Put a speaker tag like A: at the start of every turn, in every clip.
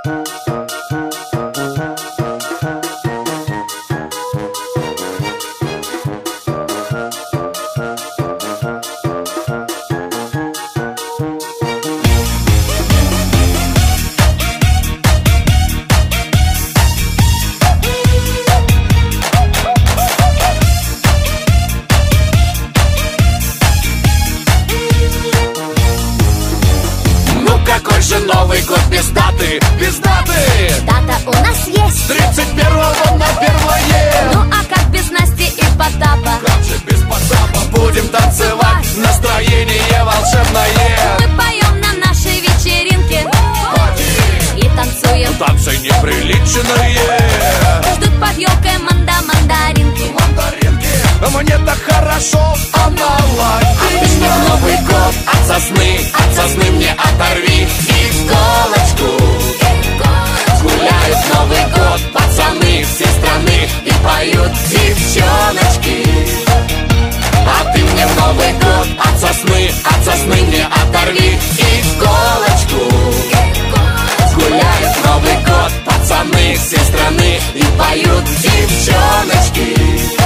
A: Новый год без даты, без даты.
B: Дата у нас есть
A: 31-го на 1-е.
B: Ну а как без Насти и Потапа?
A: Как же без Потапа? Будем танцевать, настроение волшебное.
B: Мы поем на нашей вечеринке и танцуем.
A: Танцы неприличные.
B: Ждут под елкой мандаринки.
A: Мне так хорошо, она лайк. А ты мне в Новый год от сосны мне оторви иголочку. Гуляют Новый год пацаны всей страны и поют девчоночки. А ты мне в Новый год от сосны мне оторви иголочку. Гуляют Новый год пацаны всей страны и поют девчоночки.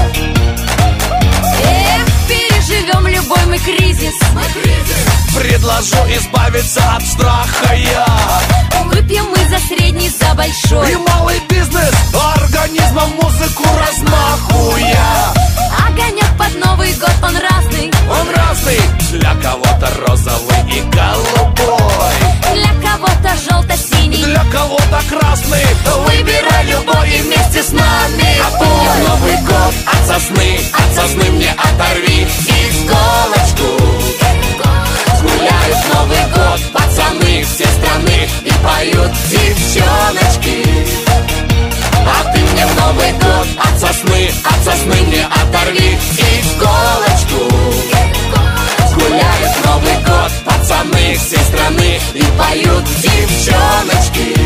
B: Переживем любой мы кризис.
A: Предложу избавиться от страха я.
B: Выпьем мы за средний, за большой
A: И малый бизнес организмом музыку размахуя.
B: Огонек под Новый год, он разный.
A: Он разный, для кого-то розовый и голубой,
B: Для кого-то желто-синий,
A: для кого-то красный. Выбирай любой и вместе с нами. А ты мне в Новый год от сосны мне оторви иголочку. Гуляют Новый год пацаны всей страны и поют девчоночки. А ты мне в Новый год от сосны мне оторви иголочку. Гуляют Новый год пацаны всей страны и поют девчоночки.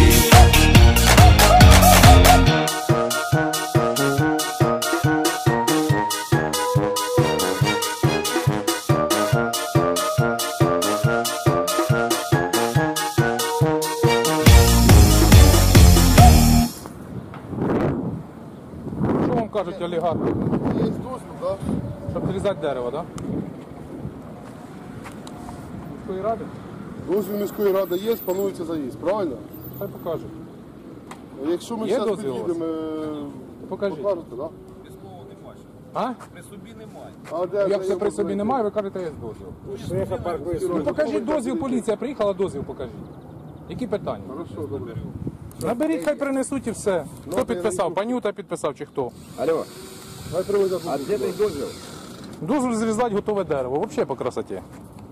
C: Кажуть, олігархи.
D: Є дозвіл, так?
C: Щоб зрізати дерево, так? Міської ради?
D: Дозвіл міської ради є, планується заїзд, правильно?
C: Хай покажуть.
D: А якщо ми
C: Є
D: зараз
C: дозвіл у вас?
D: під'їдемо,
C: Покажіть.
D: покажете, так?
C: А?
E: При собі немає.
D: А де
C: Як це
D: його
C: при собі
D: знайти?
C: немає, ви кажете, є дозвіл. Ну покажіть дозвіл, поліція приїхала, дозвіл покажіть. Які питання?
D: Хорошо, добре.
C: Наберіть, хай принесуть і все. Хто підписав? Панюта підписав чи хто?
F: Алло,
D: Хай привозять.
F: а де той дозвіл?
C: Дозвіл зрізати готове дерево. Взагалі по красоті.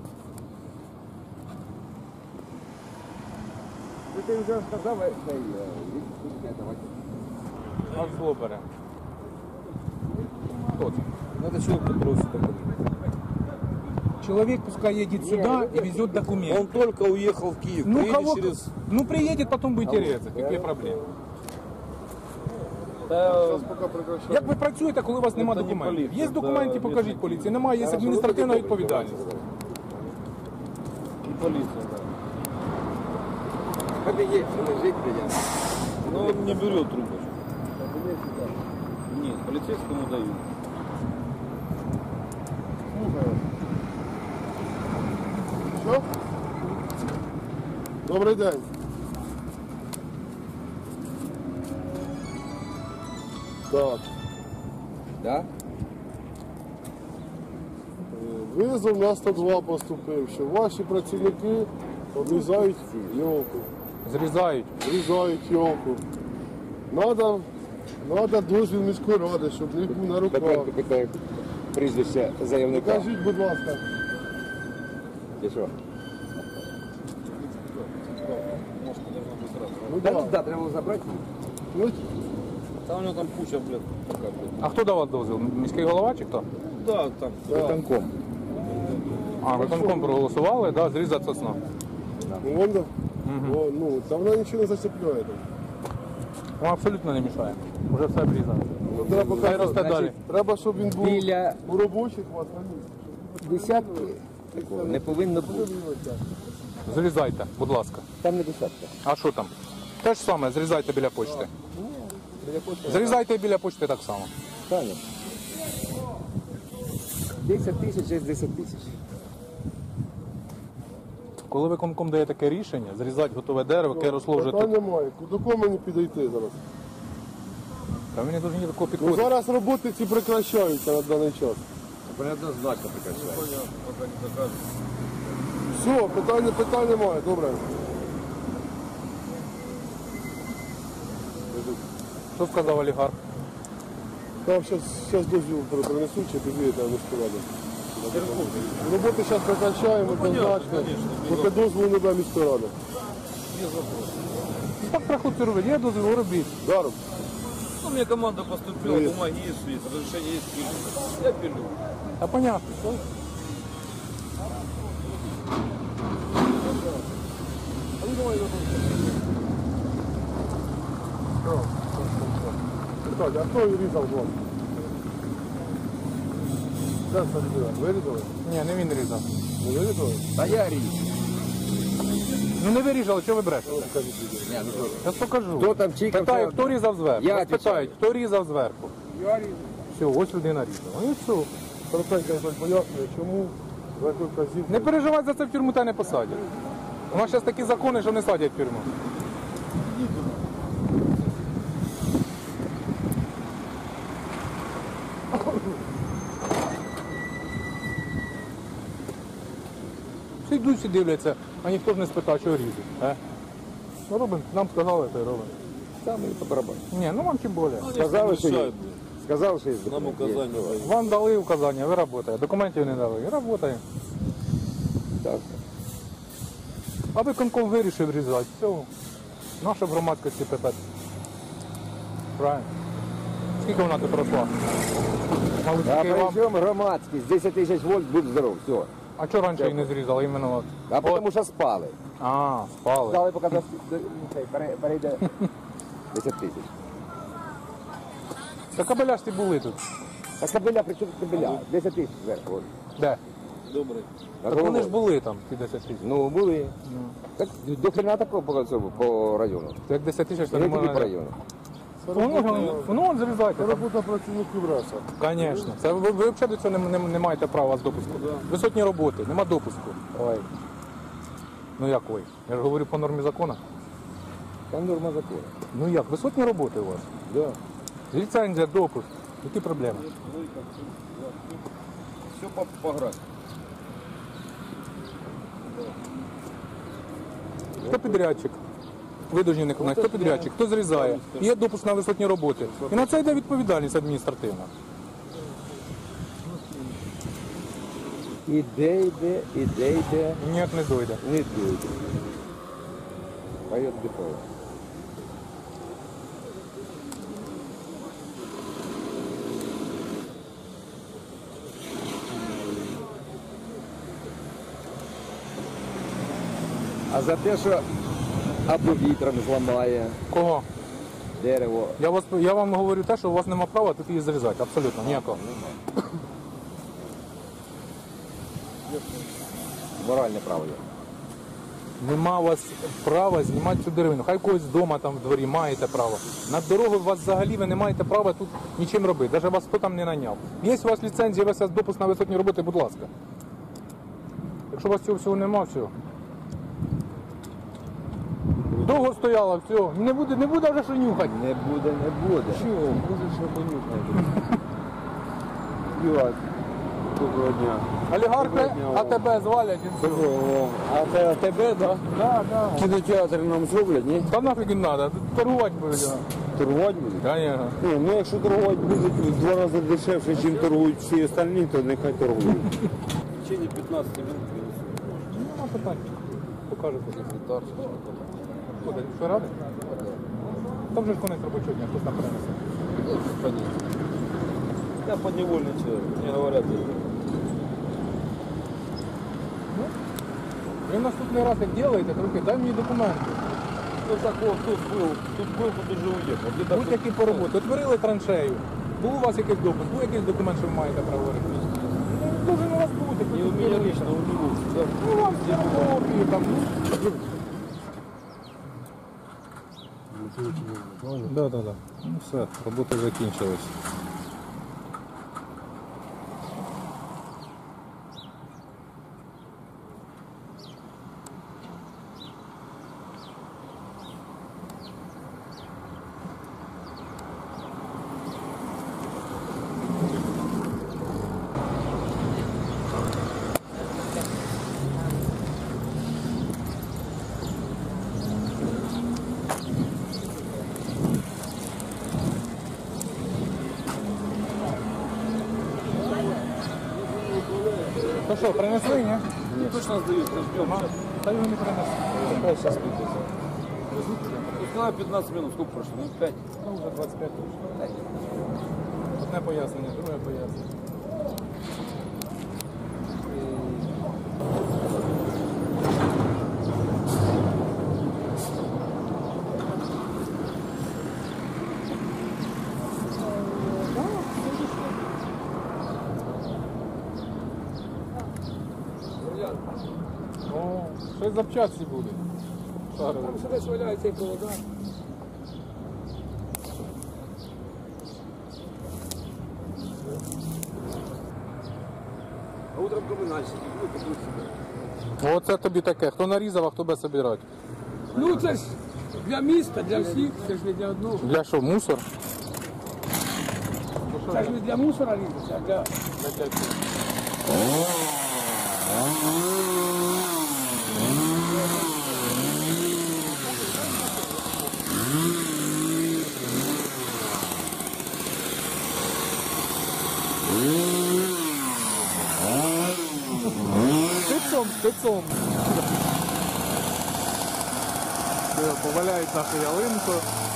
F: Ти вже сказав, давайте.
C: А зло бере. Хто це?
E: Надо человек попросить такой.
C: Человек пускай едет сюда и везет документы.
E: Он только уехал в Киев.
C: Ну,
E: Приедет
C: кого...
E: через...
C: ну приедет, потом будете резать. Які проблеми?
D: Зараз поки прекращаємо.
C: Як ви працюєте, коли у вас немає документів? Є документи, покажіть поліції. Немає, є адміністративна відповідальність.
E: И полиция, да.
F: Кабинет, лежить придем.
E: Но он не берет трубочку. Нет, полицейскому дают.
D: Слухаю. Що? Добрий день. Так.
F: Да?
D: Визов на 102 поступив, що ваші працівники обрізають йолку.
C: Зрізають.
D: Зрізають йолку. Надо дозвіл міської ради, щоб не був на руках.
F: Таке прізвище заявника.
D: Покажіть, будь ласка.
F: І що?
D: Ну,
F: Да,
D: да.
F: да, треба було забрати.
D: Ну,
E: Там у него там куча, блядь, пока, блядь.
C: А хто давав дозвіл? Міський голова чи хто?
E: Да, там.
F: Танком.
C: А, виконком проголосували, да, зрізати сосна.
D: ну, вон, да. О, ну, там вона нічого не зацепляє. там.
C: Вам абсолютно не мішає. Уже все обрізано.
D: Ну, треба,
C: Хай росте далі.
D: треба, щоб він був
F: Біля
D: у робочих вас на місці.
F: десятки не повинно бути.
C: Зрізайте, будь ласка.
F: Там не десятка.
C: А що там? Те ж саме, зрізайте біля почти. Зрізайте біля почти так само.
F: Правильно. 10 тисяч є 10 тисяч.
C: Коли виконком дає таке рішення, зрізати готове дерево, яке росло вже
D: Питань
C: тут.
D: немає. До кого мені підійти зараз?
C: Та мені дуже ні до кого
D: Ну,
C: підходить.
D: зараз роботи ці прекращаються на даний час.
F: Неоднозначно прекращає.
E: Пока не докажут.
D: Все, питань немає, добре.
C: Що сказав олігарх?
D: Там зараз дозвіл принесуть, чи підвієте на міську раду. Роботи зараз прекращаємо, однозначно. Поки дозволу не дає міська рада.
C: Так про хлопці робить, є дозвіл, робіть.
D: Даром.
E: Ну, мне команда поступила,
D: Есть.
E: бумаги есть, разрешение есть, пилю. Я пилю.
C: А понятно.
D: Кстати, а хто різав вас? Де це людина? Вирізали?
C: Ні, не він різав.
D: Не вирізали?
F: Та я ріж.
C: Ну не виріжали, що ви брешете?
D: Скажіть людина.
C: Я покажу.
F: Хто там чікав?
C: Питаю, хто різав зверху?
F: Я
C: Вас
F: відповідаю.
C: питають, хто різав зверху?
D: Я різав.
C: Все, ось людина різала. Ну і все.
D: Коротенько хтось пояснює, чому за яку вказівку.
C: Не переживай за це, в тюрму та не посадять. У нас зараз такі закони, що не садять в тюрму. Всі йдуть, всі дивляться, а ніхто ж не спитав, що різуть. Ну робимо, нам сказали, то й робимо.
F: Саме і по барабану.
C: Ні, ну вам тим більше.
F: Сказали, що є.
E: Мешают, блин.
F: Сказав, що є.
E: Нам указания дают.
C: Вам дали указання, ви працюєте. Документів не дали, і працюємо.
F: Так.
C: А виконком вирішив різати. Все. Наша в громадськості питати. Правильно. Скільки вона тут росла? Мабуть,
F: А
C: тільки вам.
F: при чому громадськість? 10 тисяч вольт, будь здоров, все.
C: А чого раніше її не зрізали? Іменно от.
F: А тому що спали.
C: А, спали.
F: Дали, поки перейде 10 тисяч.
C: Та кабеля ж ті були тут.
F: А кабеля, при чому кабеля? 10 тисяч зверху. от.
C: Де?
E: Добрый.
F: На
C: Так вони ж
F: голову.
C: були там, ті 10 тисяч.
F: Ну, були. Так до хрена такого по цьому, по району.
C: То як 10 тисяч, то
F: Не
C: не
F: тільки по
C: можна.
F: району.
C: Воно зрізайте.
D: Це робота працівників РАСа.
C: Звісно. Це ви взагалі до цього не маєте права з допуску. Висотні роботи, нема допуску.
F: Ой,
C: Ну як ви? Я ж говорю по нормі закону.
F: там норма закону.
C: Ну як, висотні роботи у вас?
F: Да.
C: Ліцензія, допуск. Які проблеми?
E: Все по графику.
C: Хто підрядчик? Ви повинні не виконати. Хто підрядчик? Хто зрізає? Є допуск на висотні роботи. І на це йде відповідальність адміністративна.
F: Іде.
C: Ні, не дойде.
F: Не дойде. Поет дефолт. А за те, що або вітром зламає
C: Кого?
F: дерево.
C: Я вам говорю те, що у вас нема права тут її зрізати. Абсолютно, ніякого.
F: Моральне право є.
C: Нема у вас права знімати цю деревину. Хай когось вдома там в дворі маєте право. На дорогу у вас взагалі ви не маєте права тут нічим робити. Навіть вас хто там не наняв. Є у вас ліцензія, у вас допуск на висотні роботи, будь ласка. Якщо у вас цього всього нема, все. Довго стояла, все. Не буде вже що нюхати.
F: Не буде.
C: Чого?
F: Може, що понюхати. Юрак, доброго дня.
C: Олігархи, а тебе звалять і все.
F: А це тебе, так?
C: Да, да.
F: Кінотеатр нам зроблять, ні?
C: Та нафіг не треба, торгувати будуть.
F: Торгувати будуть?
C: Конечно.
F: Ну, якщо торгувати будуть в 2 рази дешевше, ніж торгують всі остальні, то нехай торгують.
E: В течение 15 минут принесу.
C: Нема питань. Покажете секретар. Куди? Що радий? Там же ж конець робочого дня, хтось там принесе.
E: Понятно. Я подневольный человек, мне говорят.
C: Ви наступний раз, як робите, трохи дай мені документи.
E: Ну так вот, тут был, тут уже уехал. Где-то
C: Будь-які по роботі. Отворили траншею. Був у вас якийсь допуск, був якийсь документ, що ви маєте право робити. Дуже у вас бути.
E: не у меня лично, у него. Да.
C: Ну, вам все копії там. Да. Ну все, роботи закінчились. Ну що, принесли, ні?
E: Ні, точно здають, ждем.
C: Та його не принесли. Хай зараз підвезуть.
E: Пускай 15 минут, сколько прошло? Ну 5.
C: Ну, вже 25 точно. Одне пояснення, друге пояснення. О, щось запчасті буде. Шарові.
E: Там себе сваляють цей провода. А утром комунальщики, ну, купують себе.
C: Оце тобі таке. Хто нарізав, а хто буде собирати?
E: Ну це ж для міста, для всіх, це ж не для одного.
C: Для що, мусор?
E: Це ж не для мусора різаться, а для...
C: Спецом. Поваляють нашу ялинку.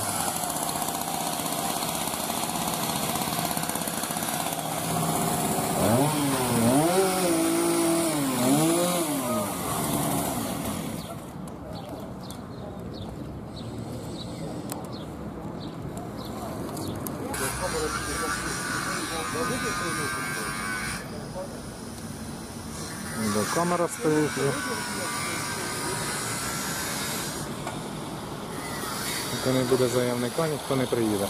C: Да, камера стоїть. Поки не буде заявника, ніхто не приїде.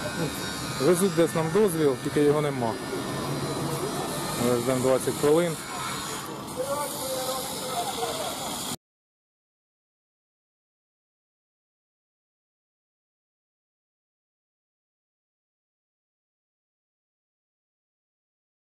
C: Везуть десь нам дозвіл, тільки його нема. Ми ждемо 20 хвилин.